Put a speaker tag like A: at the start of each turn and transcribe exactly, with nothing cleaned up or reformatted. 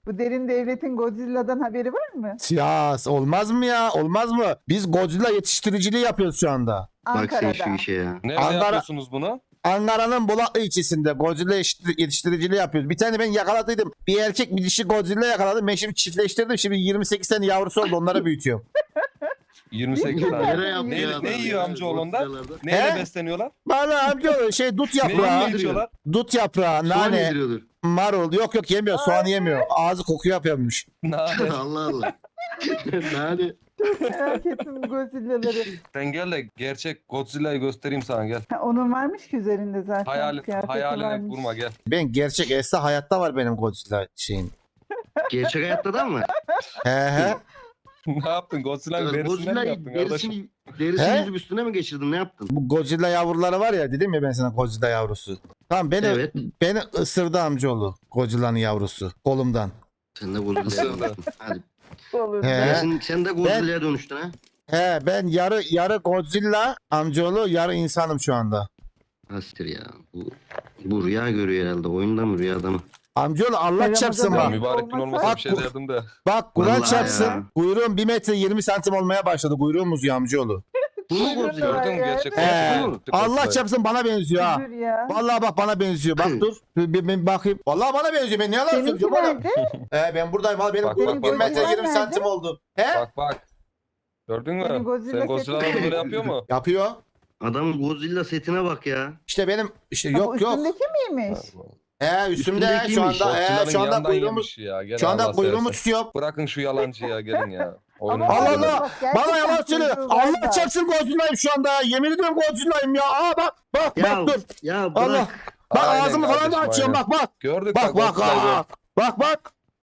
A: Bu derin devletin Godzilla'dan haberi var mı?
B: Ya olmaz mı ya? Olmaz mı? Biz Godzilla yetiştiriciliği yapıyoruz şu anda.
C: Bak sen şu
A: Ankara'da.
C: işe ya.
D: Nerede
B: Ankara-
D: yapıyorsunuz bunu?
B: Ankara'nın Bulaklı ilçesinde Godzilla yetiştir- yetiştiriciliği yapıyoruz. Bir tane ben yakaladıydım. Bir erkek bir dişi Godzilla yakaladım. Ben şimdi çiftleştirdim. Şimdi yirmi sekiz tane yavrusu oldu. Onları büyütüyorum.
D: yirmi sekiz
A: Ne
D: tane.
C: Nereye yapıyor
D: Ne,
C: adam
D: ne
C: ya?
D: yiyor amcaoğlu ondan?
C: Godzilla'larda.
D: Neyle
B: He?
D: besleniyorlar?
B: Bana amca şey dut
D: Neyle
B: yaprağı,
D: içiyorlar?
B: dut yaprağı,
C: Soğan
B: nane,
C: yediriyordur.
B: marul. Yok yok yemiyor. Soğan yemiyor. Ağzı koku yapıyormuş.
D: Nane.
C: Allah Allah. Nane.
A: Merak ettim bu Godzilla'ları.
D: Sen gel de gerçek Godzilla'yı göstereyim sana gel.
A: Ha, onun varmış ki üzerinde zaten.
D: Hayal,
A: kıyafeti
D: hayaline
A: varmış.
D: kurma gel.
B: Ben gerçek Esra hayatta var benim Godzilla şeyim.
C: Gerçek hayatta da mı?
B: He he.
D: Ne yaptın? Godzilla'nın derisinden mi
C: Godzilla'yı
D: yaptın kardeşim?
C: derisini, derisini
B: He?
C: yüzüp üstüne mi geçirdin? Ne yaptın?
B: Bu Godzilla yavruları var ya dedim ya ben sana Godzilla yavrusu. Tamam beni
C: Evet.
B: beni ısırdı amcaoğlu Godzilla'nın yavrusu kolumdan.
C: Sen de Godzilla'ya
D: Isırdı.
C: dönüştün. Hadi.
A: Olur.
B: He.
C: Ya sen, sen de Godzilla'ya dönüştün ha?
B: He ben yarı yarı Godzilla amcaoğlu yarı insanım şu anda.
C: Hastir ya. Bu, bu rüya görüyor herhalde. Oyunda mı rüyada mı?
B: Amcaoğlu Allah
A: Ramazan
B: çarpsın
A: abi.
D: Ya
B: bak.
D: mübarek gün olmasa bir şey
B: Bak-
D: derdim de.
B: Bak Kur'an
C: Vallahi
B: çarpsın.
C: ya.
B: Kuyruğum bir metre yirmi santim olmaya başladı. Kuyruğum uzuyor amcaoğlu.
C: Bu mu Godzilla?
A: Var
D: Gördün mü
A: ya.
D: gerçek
B: He.
D: Godzilla'yı?
B: Allah
D: Godzilla'yı.
B: çarpsın bana benziyor ha.
A: Dur ya.
B: Vallahi bak bana benziyor. Bak dur. Bir, bir, bir bakayım. Vallahi bana benziyor. Ben ne yalan
A: Seninki
B: söylüyorum oğlum.
A: nerede?
B: He ben buradayım. Vallahi benim
D: Bak,
B: kuyruğum
D: bak,
B: bir
D: bak,
B: metre
A: bak.
B: yirmi santim oldu. He?
D: Bak bak. Gördün mü?
A: Senin Godzilla
D: Sen Godzilla'nın
A: seti-
D: böyle yapıyor mu?
B: Yapıyor.
C: Adamın Godzilla setine bak ya.
B: İşte benim işte
A: Ha, bu
B: yok yok.
A: üstündeki miymiş?
B: He üstümde he, şu
C: Üstündekiymiş.
B: anda he,
D: Godzilla'nın
B: şu anda
D: yandan
B: kuyruğumu
D: yemiş ya. Gel
B: şu anda
D: Allah
B: kuyruğumu
D: seversen.
B: tutuyor.
D: Bırakın şu yalancıya gelin ya. Oyunu
A: Ama
B: Allah
D: bitirdim.
B: Allah.
A: bak, gerçekten
B: Bana yalan söylüyor.
A: kuyruğu var
B: Allah
A: da.
B: çarpsın Godzilla'yım şu anda. Yemin ediyorum Godzilla'yım ya. Aa bak bak
C: Ya,
B: bak dur.
C: ya bırak.
B: Allah. Bak
D: Aynen
B: ağzımı falan da
D: kardeşim,
B: açıyorum
D: aynen.
B: bak bak.
D: Gördük
B: Bak bak
D: Godzilla'yı.
B: aa. Bak bak.